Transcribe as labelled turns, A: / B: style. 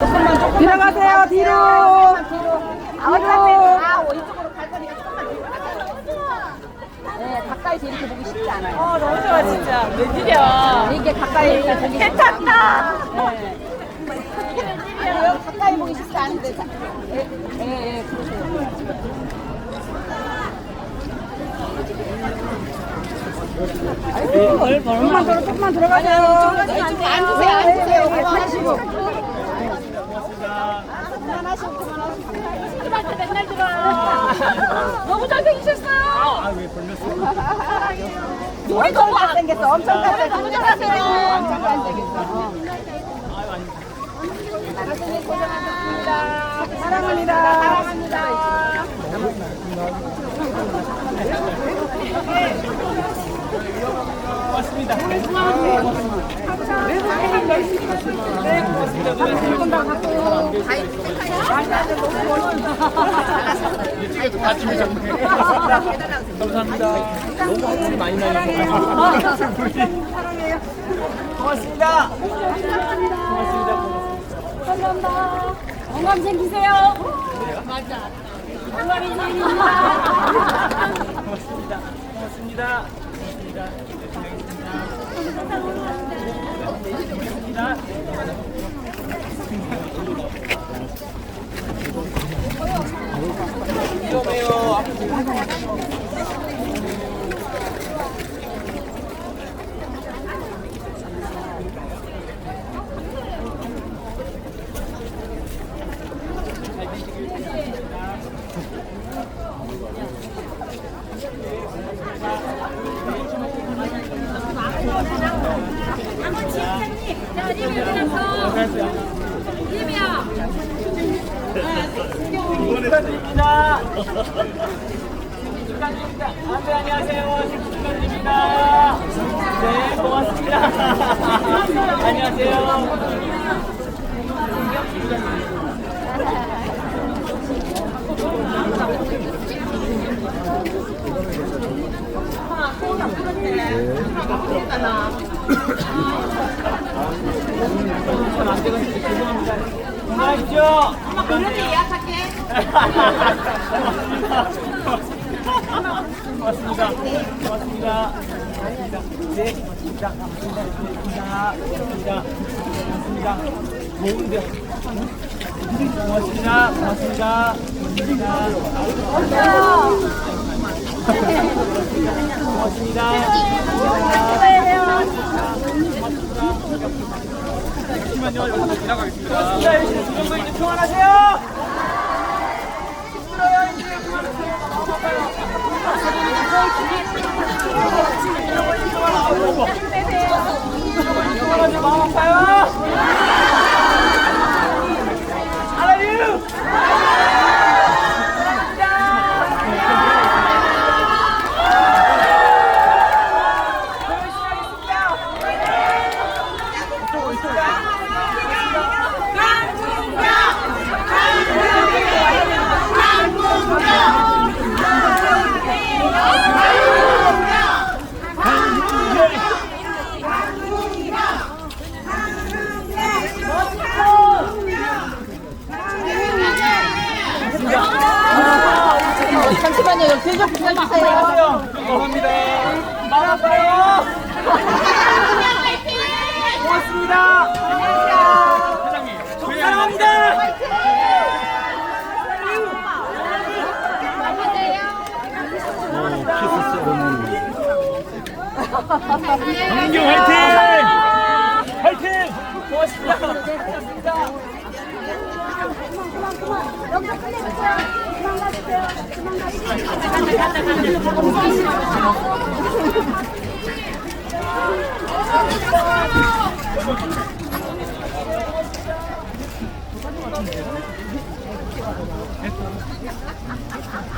A: 들어가세요, 뒤로.
B: 이쪽으로 갈 거니까 조금만 뒤로 네, 가까이서 이렇게 보기 쉽지 않아요.
A: 너무 좋아, 진짜. 웬일이야.
B: 이게 가까이 이렇게 보기 쉽지
A: 괜찮다.
B: 여기 가까이 보기 쉽지 않은데. 그러세요.
A: 조금만 들어가세요.
B: 앉으세요. 그만하시고. 그만하시고. 스트레스 맨날 들어요. 너무 잘생기셨어요.
C: 왜 걸렸어요?
B: 엄청 잘생겼어. 엄청 잘생겼어. 너무 잘하세요. 엄청 잘생겼어. 선생님 고생하셨습니다.
A: 사랑합니다.
B: 사랑합니다.
C: 고맙습니다. 이쪽에도 같이 오셨네. 감사합니다. 너무 한물이 많이 나셔서. 고맙습니다. 고맙습니다.
B: 감사합니다. 건강 챙기세요. 맞아. 건강히 챙깁니다.
C: 고맙습니다. 고맙습니다. 위험해요. 축하드립니다. 축하드립니다. 안녕하세요. 축하드립니다. 네, 고맙습니다. 안녕하세요. 안 돼가지고 죄송합니다. 건강하십시오.
B: 엄마 그렇게 예약할게.
C: 고맙습니다. 고맙습니다. 네, 고맙습니다. 고맙습니다. 고맙습니다. 좋은데. 고맙습니다. 고맙습니다. 고맙습니다. 잠시만요. 여기서 지나가겠습니다. 이제 이제 평안하세요. 힘들어요. 이제 그만하세요. 너무 아파요. 마음 아파요. I love you.
B: 잠시만요. 여기 길 좀 부탁주세요.
C: 감사합니다. 마음 아파요. 고맙습니다. 회장님, 사랑합니다. 강민경 화이팅! 화이팅! 고맙습니다. 고맙습니다.
B: 여기서 끝내주세요. 그만 가주세요. 그만 가주세요.